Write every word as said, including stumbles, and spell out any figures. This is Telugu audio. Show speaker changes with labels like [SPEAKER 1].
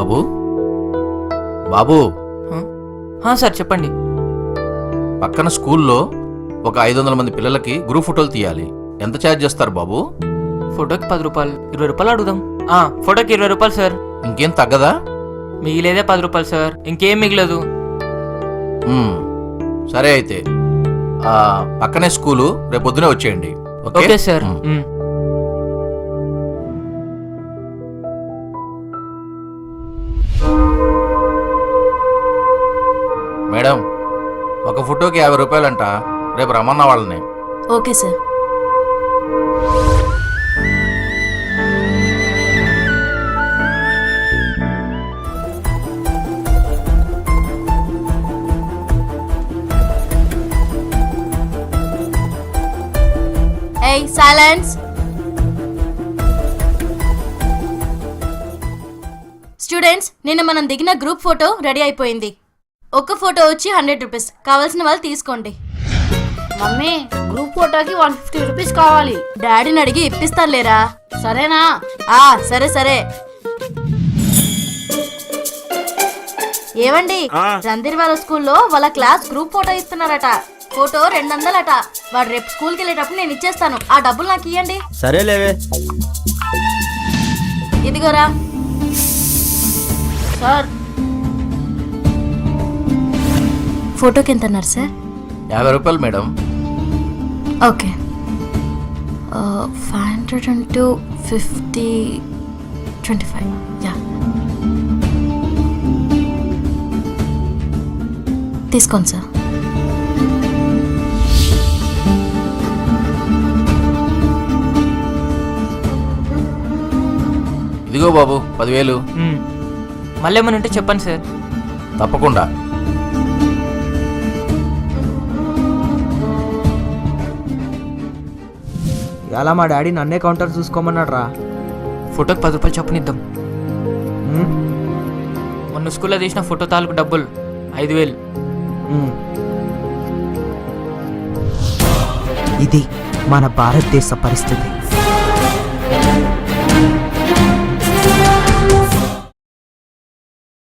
[SPEAKER 1] బాబు బాబు
[SPEAKER 2] హా సార్ చెప్పండి.
[SPEAKER 1] పక్కన స్కూల్లో ఒక ఐదు వందల మంది పిల్లలకి గ్రూప్ ఫోటోలు తీయాలి. ఎంత ఛార్జ్ చేస్తారు బాబు?
[SPEAKER 2] ఫోటోకి పది రూపాయలు, ఇరవై రూపాయలు అడుగుదాం. ఆ ఫోటోకి ఇరవై రూపాయలు సార్.
[SPEAKER 1] ఇంకేం తగ్గదా?
[SPEAKER 2] మిగిలేదే పది రూపాయలు సార్, ఇంకేం మిగలదు.
[SPEAKER 1] మ్మ్. సరే అయితే ఆ, పక్కనే స్కూలు, రేపు పొద్దునే వచ్చేయండి.
[SPEAKER 2] Okay sir.
[SPEAKER 1] మ్మ్.
[SPEAKER 2] మ్మ్.
[SPEAKER 1] మేడం, ఒక ఫోటోకి యాభై రూపాయలంట. రేపు రమ్మన్న వాళ్ళని.
[SPEAKER 3] Okay sir. ఏయ్ సైలెన్స్. స్టూడెంట్స్, నిన్న మనం దిగిన గ్రూప్ ఫోటో రెడీ అయిపోయింది. ఒక్క ఫోటో వచ్చి హండ్రెడ్ రూపీస్. కావాల్సిన వాళ్ళు తీసుకోండి.
[SPEAKER 4] మమ్మీ, గ్రూప్ ఫోటోకి వన్ ఫిఫ్టీ రూపీస్ కావాలి.
[SPEAKER 3] డాడీని అడిగి ఇప్పిస్తాను లేరా?
[SPEAKER 4] సరేనా?
[SPEAKER 3] ఆ సరే సరే. ఏవండి, రందిర్ వాళ్ళ స్కూల్లో వాళ్ళ క్లాస్ గ్రూప్ ఫోటో ఇస్తున్నారట. ఫోటో రెండు వందలట. వాడు రేపు స్కూల్కి వెళ్ళేటప్పుడు నేను ఇచ్చేస్తాను. ఆ డబ్బులు నాకు ఇవ్వండి.
[SPEAKER 5] సరేలేవే.
[SPEAKER 3] ఇదిగోరా.
[SPEAKER 4] సార్,
[SPEAKER 3] ఫోటోకి ఎంత అన్నారు సార్?
[SPEAKER 1] యాభై రూపాయలు madam.
[SPEAKER 3] Okay. Five hundred into fifty twenty five. Yeah, తీసుకోండి సార్.
[SPEAKER 1] ఇదిగో బాబు పదివేలు.
[SPEAKER 2] మ్మ్. మళ్ళీ ఏమైనా ఉంటే చెప్పండి సార్.
[SPEAKER 1] తప్పకుండా.
[SPEAKER 5] ఇలా మా డాడీ నన్నే కౌంటర్ చూసుకోమన్నాడు రా.
[SPEAKER 2] ఫోటోకి పది రూపాయలు చెప్పనిద్దాం. మొన్న స్కూల్లో తీసిన ఫోటో తాలూకు డబ్బులు ఐదు వేలు.
[SPEAKER 5] ఇది మన భారతదేశ పరిస్థితి.